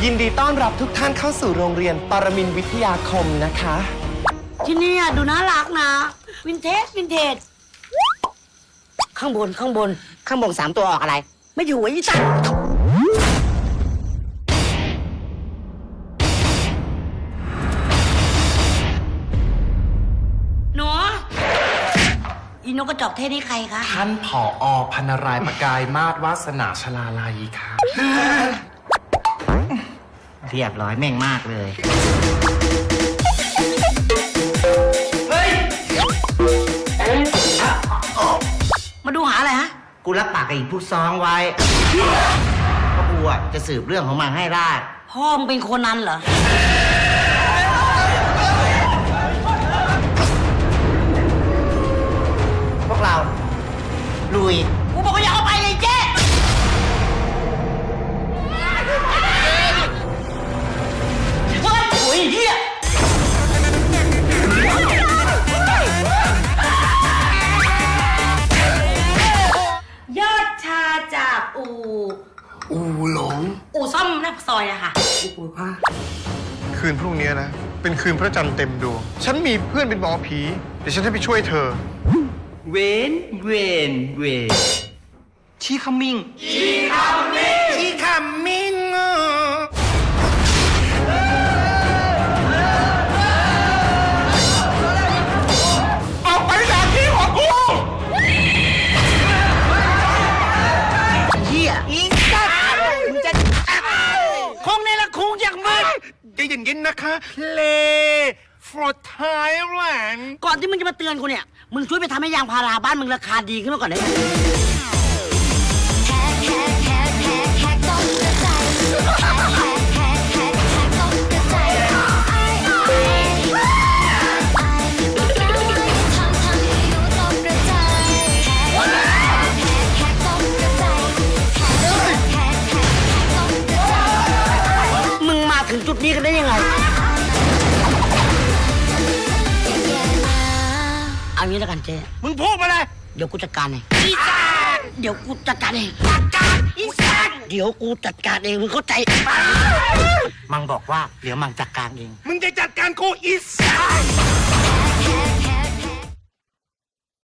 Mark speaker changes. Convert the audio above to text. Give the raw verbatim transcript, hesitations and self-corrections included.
Speaker 1: ยินดีต้อนรับทุกท่านเข้าสู่โรงเรียนปรมินทร์วิทยาคมนะคะ
Speaker 2: ที่นี่ดูน่ารักนะวินเทจวินเทจข้างบนข้างบนข้างบนสามตัวออกอะไรไม่อยู่ไอ้ยี่ตันหนูอีนกกระจอกเทศนี่ใครคะ
Speaker 3: ท่านผอ.พันรายประกายมาศวาสนาชลาลัยค่ะ
Speaker 4: เรียบร้อยแม่งมากเลย
Speaker 2: มาดูหาอะไรฮะ
Speaker 4: กูรับปากกับอีกผู้ซ้องไว้เพราะกูอ่ะจะสืบเรื่องของมันให้ได้
Speaker 2: พ่อมึงเป็นโคนันเหรอ
Speaker 4: พวกเราลุย
Speaker 2: กูบอกว่าอย่าเอาไปเลยเจ๊เฮ้ยโอ้ยเฮียยอดชาจากอู
Speaker 3: อูหลง
Speaker 2: อูซ่อมหน้าซอยอะค่ะอูผ้า
Speaker 5: คืนพรุ่งนี้นะเป็นคืนพระจันทร์เต็มดวงฉันมีเพื่อนเป็นหมอผีเดี๋ยวฉันจะไปช่วยเธอ
Speaker 4: เวนเวนเวนชีคัมมิงชีคัมมิงชีคัมมิง
Speaker 5: ออกไปจากที่ของกู
Speaker 4: เฮียอีสัตว์มึงจะคงในละคงอย่างมึง
Speaker 5: ใจเย็นๆนะคะเล for Thailand
Speaker 2: ก่อนที่มึงจะมาเตือนกูเนี่ยมึงช่วยไปทำให้ยางพาราบ้านมึงราคาดีขึ้นมาก่อนได้ไหมมึงมาถึงจุดนี้กันได้ยังไงเอางี้แล้วกันเจ๊
Speaker 4: มึงพูดมาเลย
Speaker 2: เดี๋ยวกูจัดการเอง
Speaker 4: อีสาน
Speaker 2: เดี๋ยวกูจัดการเอง
Speaker 4: จัดการอีสาน
Speaker 2: เดี๋ยวกูจัดการเองมึงเข้าใจ
Speaker 4: มังบอกว่าเดี๋ยวมังจัดการเอง
Speaker 5: มึงจะจัดการกูอีสาน